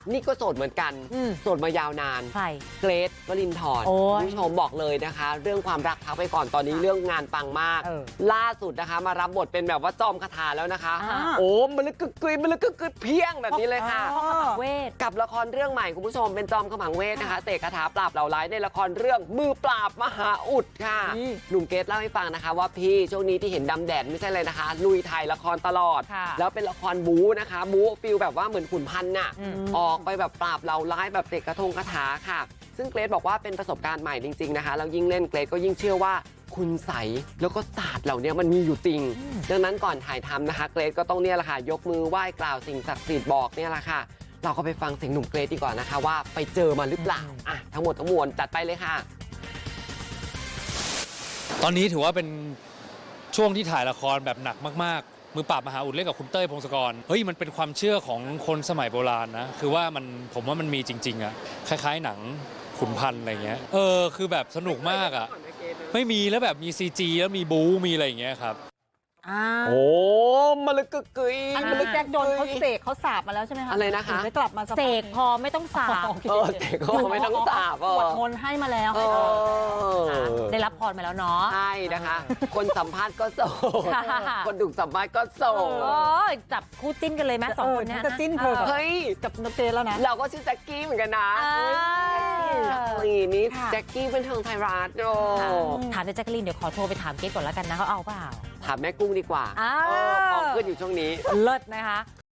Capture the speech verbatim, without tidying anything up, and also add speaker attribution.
Speaker 1: นี่ก็โสดเหมือนกันโสดมายาวนาน
Speaker 2: ใคร
Speaker 1: เกรทวรินทร์คุณผู้ชมบอกเลยนะคะ เรื่องความรักพักไปก่อนตอนนี้เรื่องงานปังมาก ล่าสุดนะคะมารับบทเป็นแบบว่าจอมคาถาแล้วนะคะ โอ้มันลึกกึกกึยมันลึกกึกกึยเพียงแบบนี้เลยค่ะ
Speaker 2: เวท
Speaker 1: กับละครเรื่องใหม่คุณผู้ชมเป็นจอมขมังเวทนะคะเสกคาถาปราบเหล่าร้ายในละครเรื่องมือปราบมหาอุดค่ะหนุ่มเกรทเล่าให้ฟังนะคะว่าพี่ช่วงนี้ที่เห็นดำแดดไม่ใช่เลยนะคะลุยถ่ายละครตลอดแล้วเป็นละครบู๊นะคะบู๊ฟิลแบบว่าเหมือนขุนพันธ์น่ะออกไปแบบปราบเหล่าร้ายแบบเสกกระทงคาถาค่ะซึ่งเกรทบอกว่าเป็นประสบการณ์ใหม่จริงๆนะคะแล้วยิ่งเล่นเกรทก็ยิ่งเชื่อว่าคุณใสแล้วก็ศาสตร์เหล่านี้มันมีอยู่จริงดังนั้นก่อนถ่ายทำนะคะเกรทก็ต้องเนี่ยแหละค่ะยกมือไหว้กล่าวสิ่งศักดิ์สิทธิ์บอกเนี่ยแหละค่ะเราก็ไปฟังเสียงหนุ่มเกรทดีกว่านะคะว่าไปเจอมาหรือเปล่าอ่ะทั้งหมดทั้งมวลจัดไปเลยค่ะ
Speaker 3: ตอนนี้ถือว่าเป็นช่วงที่ถ่ายละครแบบหนักมากๆมือปราบมหาอุดเล่นกับคุณเต้ยพงศกรเฮ้ยมันเป็นความเชื่อของคนสมัยโบราณนะคือว่ามันผมว่ามันมีจริงๆอะคล้ายๆหนังขุนพันธ์อะไรเงี้ยเออคือแบบสนุกมากอะไม่มีแล้วแบบมี ซี จี แล้วมีบู๊มีอะไรอย่างเงี้ยครับ
Speaker 1: โอ้มาลึกกึกกึย
Speaker 4: อันนี้แจ็คโดนเขาเสกเขาสาบมาแล้วใช่ไหมคะ
Speaker 1: อะไรนะคะ
Speaker 4: ได้กลับมา
Speaker 2: เสกพอไม่ต้องสาบ
Speaker 1: เออเสกก็ไม่ต้องสาบเอ
Speaker 4: ปวด
Speaker 1: อ
Speaker 4: มนต์ให้มาแล้ว
Speaker 1: เออ
Speaker 2: ได้รับพรมาแล้วเนาะ
Speaker 1: ใช่นะคะ คนสัมภาษณ์ก็โสด คนถูกสัมภาษณ์ก็โสด
Speaker 2: โอ้ยจับคู่จิ้นกันเลยไหมสองคนเนี้ย
Speaker 4: จะจิ้นเธอกับ
Speaker 1: เฮ้ย
Speaker 4: กับนกเกแล้วนะ
Speaker 1: เราก็ชื่อแจ็คกี้เหมือนกันนะ
Speaker 2: เออ
Speaker 1: แจ็คกี้นี่แจ็คกี้เป็นทางไทยรัฐโอ้
Speaker 2: ถามเจ๊แจ๊กกะลีนเดี๋ยวขอโทรไปถามเกรทก่อนแล้วกันนะเขาเอาเปล่า
Speaker 1: ถามแม่กุ้งดีกว่า
Speaker 2: อ้าว
Speaker 1: เออพร้อมขึ้นอยู่ช่วงนี้
Speaker 2: เลิศนะคะ